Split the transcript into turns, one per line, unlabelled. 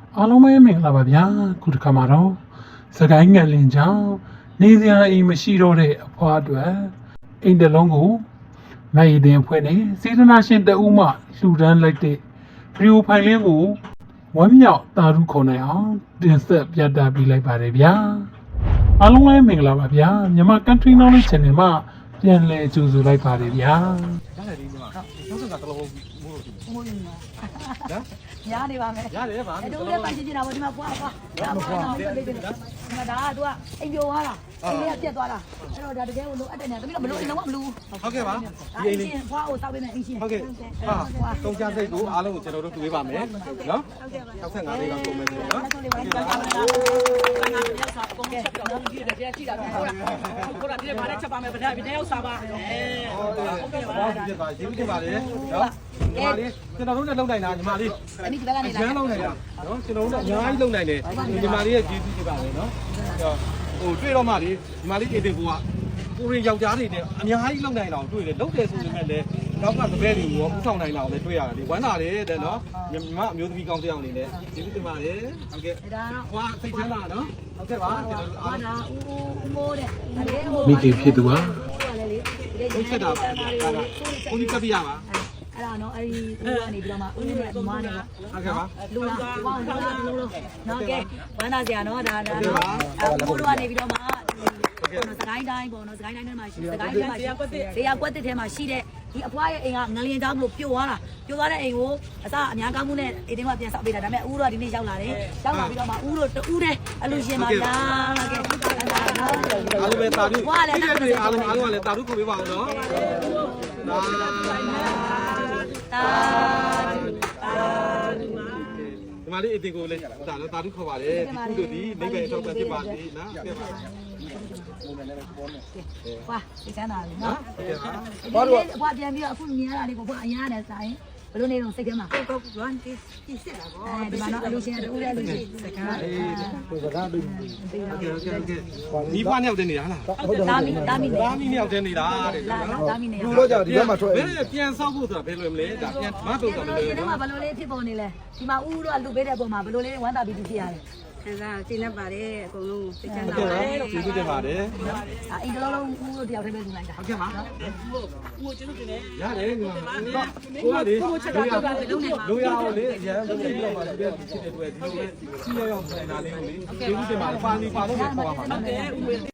အားလုံးပဲမင်္ဂလာပါဗျာခုတစ်ခါမှာတော့စကိုင်းငလင်ကြောင့်နေစရာအိမ်မရှိတော့တဲ့အဖွားအတွက်အိမ်တစ်လုံးကိုမရည်တင်ဖွဲ့နေစေတနာရှင်တဦးမှလှူဒန်းလိုက်တဲ့ဗီဒီယိုဖိုင်လေးကိုဝမ်းမြောက်တာရုခေါ်နိုင်အောင်တင်ဆက်ပြသပေးလိုက်ပါတယ်ဗျာအားလုံးပဲမင်္ဂလာပါဗျာမြန်မာ Country Knowledge Channel မှာပြန်လည်ကြိုဆိုလိုက်ပါတယ်ဗျာ
ရတယ်ဒီမှာနောက်ဆုံးကတလုံးမိုးလို့ရှိတယ်
မိုးနေမှာ
နော်
ရားနေပါမယ်
ရတယ်ပါ
တို့လည်းပိုင်ချင်တာပေါ့ဒီမှာပွားဒီမှာဒါကသူကအိမ်ပြိုသွားတာအိမ်လေးကပြက်သွားတာအဲ့တော့ဒါတကယ်ကိုလိုအပ်တယ်နဲ့တမီးတော့မလိုလုံးဝမလို
ဟုတ်ကဲ့ပါ
ဒီအိမ်လေးဖွားကိုစောက်ပေးမယ်အိမ်ရှင်
ဟုတ်ကဲ့ဟာတုံးချစိတ်ကိုအားလုံးကိုကျွန်တော်တို့တွေ့ပါမယ်နော်65လေးတော့ပုံမယ်ဆိုနော်
ဟုတ်ကဲ့ပါဟုတ်ကဲ့ပါ
ပုံချက်ပြောင်းပြီးတယ်ကြည့်တာဟုတ်လားဟုတ်လားဒီမှာလည်းချက်ပါမယ်ဗျာဒီတယောက်စားပါ
ဟုတ်ကဲ့ပါဒီပါရေးပြပါလေနော်ညီမလေးကျွန်တော်တို့နဲ့လုံနိုင်တာညီမလေး
အဲ့ဒီဘက်ကနေလာ
ကျန်းလုံနိုင်တာနော်ကျွန်တော်တို့အများကြီးလုံနိုင်တယ်ညီမလေးရဲ့ကျေးဇူးပြပါလေနော်ဟိုတွေ့တော့မှလေညီမလေးအေးတင်ကိုကကိုရင်ယောက်ျားတွေနဲ့အများကြီးလုံနိုင်တာကိုတွေ့တယ်လုံတယ်ဆိုပေမဲ့လည်းနောက်ကတပည့်တွေကိုရောဥဆောင်နိုင်တာကိုလည်းတွေ့ရတယ်ဒီဝမ်းသာတယ်တဲ့နော်ညီမအမျိုးသမီးကောင်းတစ်ယောက်အနေနဲ့ကျေးဇူးတင်ပါတယ်ဟုတ်ကဲ့
ဒါ
ဟွာစိတ်ချမ်းသာနော်ဟုတ်ကဲ့ပါကျွန်တော်တို့အား
ဒါဦးမိုးတဲ့
မိခင်ဖြစ်သူဟာ
ဟုတ်ကဲ့တာဒါကကိုကြီးကပ်ပြရပါ
အဲ့ဒါနော်အဲ့ဒီဦးကနေပြီးတော့မှဦးနဲ့မွားနေတော့
ဟုတ်ကဲ့ပါ
လူလာပေါင်းလုံးနော်ကဲဝမ်းသာစရာနော်ဒါဦးတို့ကနေပြီးတော့မှစကိုင်းတိုင်းပေါ့နော်စကိုင်းတိုင်းထဲမှာရှိစကိုင်းထဲမှာရှိဇေယျကွက်တစ်ထဲမှာရှိတဲ့ဒီအဖွားရဲ့အိမ်ကငလျင်ကြောင်းလို့ပြိုသွားတာပြိုသွားတဲ့အိမ်ကိုအစအများကောင်းမှုနဲ့အိမ်ထဲမှာပြန်ဆောက်ပေးတာဒါပေမဲ့ဦးတို့ကဒီနေ့ရောက်လာတယ်ရောက်လာပြီးတော့မှဦးတို့တူးတဲ့အလူရှင်ပါလားကဲ
အားလုံးပဲတာဓုအားလုံးကလည်းတာဓုကိုပေးပါအောင်နော်ဒီမှာလေးအတင်ကိုလည်းဒါလည်းတာဓုခေါ်ပါတယ်ဒီကုတို့ဒီနိဗ္ဗာန်အထောက်အပံ့ဖြစ်ပါစေနော်ကဲပါ
ဝါဒီချမ်းသာပြီနော်ဘာလို့ဘွားပြန်ပြီးတော့အခုမြင်ရတာလေးကိုဘွားအရားနဲ့ဆိုင်ဘယ်လိုနေတော့စိတ်ထဲမှာ
ကိုကွမ်တီစစ်တာပေါ့
ဒီမှာတော့အလူရှင်တူတဲ့လူရှင်စကား
စကားပြီးโอเคမိဘနှစ်ယောက်တည်းနေတာလား
ဟုတ်တယ်သားမီ
နှစ်ယောက်တည်းနေတာတဲ့
သားမီနှစ်ယောက်
လူတော့ကြာဒီဘက်မှာထွက်ဘယ်ပြန်ဆောက်ဖို့ဆိုတာဘယ်လိုမလဲဒါပြန်မတော့တာမလဲ
ဒီမှာဘယ်လိုလေးဖြစ်ပေါ်နေလဲဒီမှာဦးတို့ကလူပေးတဲ့ပုံမှာဘယ်လိုလေးဝမ်းသာပြီးဖြစ်ရတယ်
ခံစားရှင်းနေပါတယ်အကုန်လုံးသိချမ်းသာ
ပါ
တယ်
ကျေးဇူးတင်ပါတယ်
အိမ်တလုံးဦးတို့တယောက်တည်းပဲလူလိုက်တာ
ဟုတ်ကဲ့ပါ
ဦးကျေးဇူးတင်တယ်
ရတယ်ငါကိုကလေလူရအောင်လေအရန်လုပ်ပြီးတော့ပါလေဖြစ်တဲ့အတွက်ဒီလိုပဲစီးရအောင်ဆိုင်တာလေးကိုလေကျေးဇူးတင်ပါတယ်ပါလီပါလို့ခေါ်ပါမှာ
ဟုတ်ကဲ့ဦး